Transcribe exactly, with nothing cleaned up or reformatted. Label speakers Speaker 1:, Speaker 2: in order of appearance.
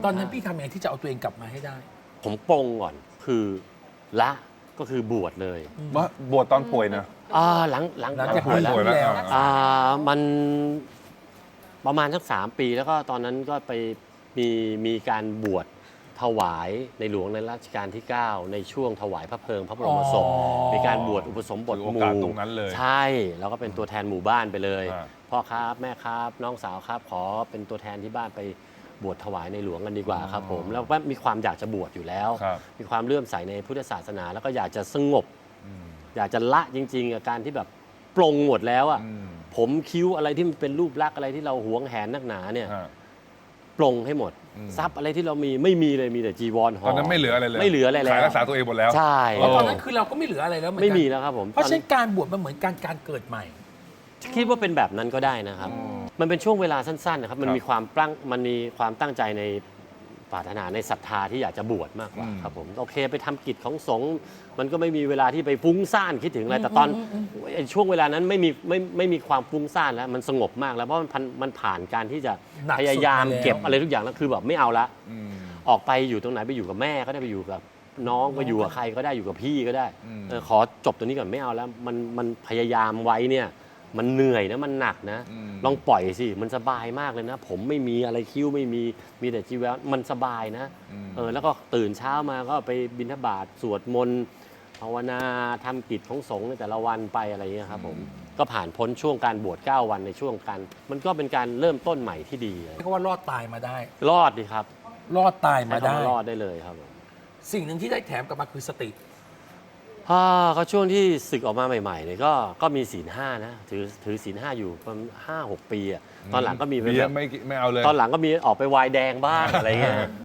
Speaker 1: ตอนนั้นพี่ทำยังไงที่จะเอาตัวเองกลับมาให้ได้
Speaker 2: ผมปรงก่อนคือละก็คือบวชเลย
Speaker 3: ว่าบวชตอนป่วยนะ
Speaker 2: อ่าหลังหลัง
Speaker 1: หลัง
Speaker 2: หลัง
Speaker 1: จาก
Speaker 2: ป่วยแล้ว
Speaker 3: ป่วยแล้ว
Speaker 1: แล้ว
Speaker 2: อ่ามันประมาณสักสามปีแล้วก็ตอนนั้นก็ไปมีมีการบวชถวายในหลวงในรัชกาลที่ เก้า ในช่วงถวายพระเพลิงพระบรมศพ
Speaker 1: อ๋อ
Speaker 2: มีการบวชอุปสมบท
Speaker 3: ถือ
Speaker 2: ห
Speaker 3: โอ
Speaker 2: มู่
Speaker 3: กาสตรงนั้นเลย
Speaker 2: ใช่แล้วก็เป็นตัวแทนหมู่บ้านไปเลย
Speaker 3: อ่า
Speaker 2: พ่อครับแม่ครับน้องสาวครับ ขอเป็นตัวแทนที่บ้านไปบวชถวายในหลวงกันดีกว่าครับผมแล้วก็มีความอยากจะบวชอยู่แล้ว
Speaker 3: ครับ
Speaker 2: มีความเลื่อมใสในพุทธศาสนา แล้วก็อยากจะสงบ
Speaker 3: อืม
Speaker 2: อยากจะละจริงๆกับการที่แบบปลงหมดแล้วอ่ะ
Speaker 3: อืม
Speaker 2: ผมคิ้วอะไรที่มันเป็นรูปลักษณ์อะไรที่เราหวงแหนนักหนาเนี่ย
Speaker 3: ฮะ
Speaker 2: ปลงให้หมด
Speaker 3: อืม
Speaker 2: ทรัพย์อะไรที่เรามีไม่มีเลยมีแต่จีวรห่อ
Speaker 3: ตอนนั้นไม่เหลืออะไรเลย
Speaker 2: ไม่เหลืออะไรแล้ว
Speaker 3: ขายรักษาตัวเองหมดแล้ว
Speaker 2: ใช่
Speaker 1: เพราะตอนนั้นคือเราก็ไม่เหลืออะไรแล้วเหมือน
Speaker 2: ไม่
Speaker 1: กัน
Speaker 2: มีแล้วครับผม
Speaker 1: เพราะฉะ
Speaker 2: ตอ
Speaker 1: นั้นการบวชมันเหมือนการการเกิดใหม่
Speaker 2: คิดว่าเป็นแบบนั้นก็ได้นะครับ มันเป็นช่วงเวลาสั้นๆนะครับมัน
Speaker 3: ครับ
Speaker 2: มีความตั้งมันมีความตั้งใจในปรารถนาในศรัทธาที่อยากจะบวชมากกว่า
Speaker 3: อืม
Speaker 2: ครับผมโอเคไปทำกิจของสงฆ์มันก็ไม่มีเวลาที่ไปฟุ้งซ่านคิดถึงอะไรแต่ตอนไอ้ช่วงเวลานั้นไม่มีไม่ไม่มีความฟุ้งซ่านแล้วมันสงบมากแล้วเพราะมันผ่านมันผ่านการที่จะ
Speaker 1: หนักสุด
Speaker 2: พยายาม
Speaker 1: มาแล้ว
Speaker 2: เก็บอะไรทุกอย่างแล้วคือแบบไม่เอาละ
Speaker 3: อืม
Speaker 2: ออกไปอยู่ตรงไหนไปอยู่กับแม่ก็ได้ไปอยู่กับน้องไปอยู่กับใครก็ได้อยู่กับพี่ก็ได้
Speaker 3: อืม
Speaker 2: เออขอจบตรงนี้ก่อนไม่เอาแล้วมันมันพยายามไว้เนี่ยมันเหนื่อยนะมันหนักนะ
Speaker 3: อืม
Speaker 2: ลองปล่อยสิมันสบายมากเลยนะ ผมไม่มีอะไรคิ้วไม่มีมีแต่จีวรมันสบายนะ
Speaker 3: อืม
Speaker 2: เออแล้วก็ตื่นเช้ามาก็ไปบิณฑบาตสวดมนต์ภาวนาทำกิจของสงฆ์ในแต่ละวันไปอะไรอย่างเงี้ยครับผมก็ผ่านพ้นช่วงการบวชเก้าวันในช่วงการมันก็เป็นการเริ่มต้นใหม่ที่ดี
Speaker 1: เรียกว่ารอดตายมาได้
Speaker 2: รอดดีครับ
Speaker 1: รอดตายมา
Speaker 2: ใช้
Speaker 1: ได้
Speaker 2: คำว่ารอดได้เลยครับผม
Speaker 1: สิ่งหนึ่งที่ได้แถมกลับมาคือสติ
Speaker 2: อ่าก็ช่วงที่ศึกออกมาใหม่ๆเนี่ยก็ก็มีศีลห้านะถือถือศีลห้าอยู่ประมาณห้าหกปีอะตอนหลังก็มีไป
Speaker 3: เบีย
Speaker 2: แบ
Speaker 3: ร์
Speaker 2: บ
Speaker 3: ไม่ไม่เอาเลย
Speaker 2: ตอนหลังก็มีออกไปวายแดงบ้างอะไรเงี้ย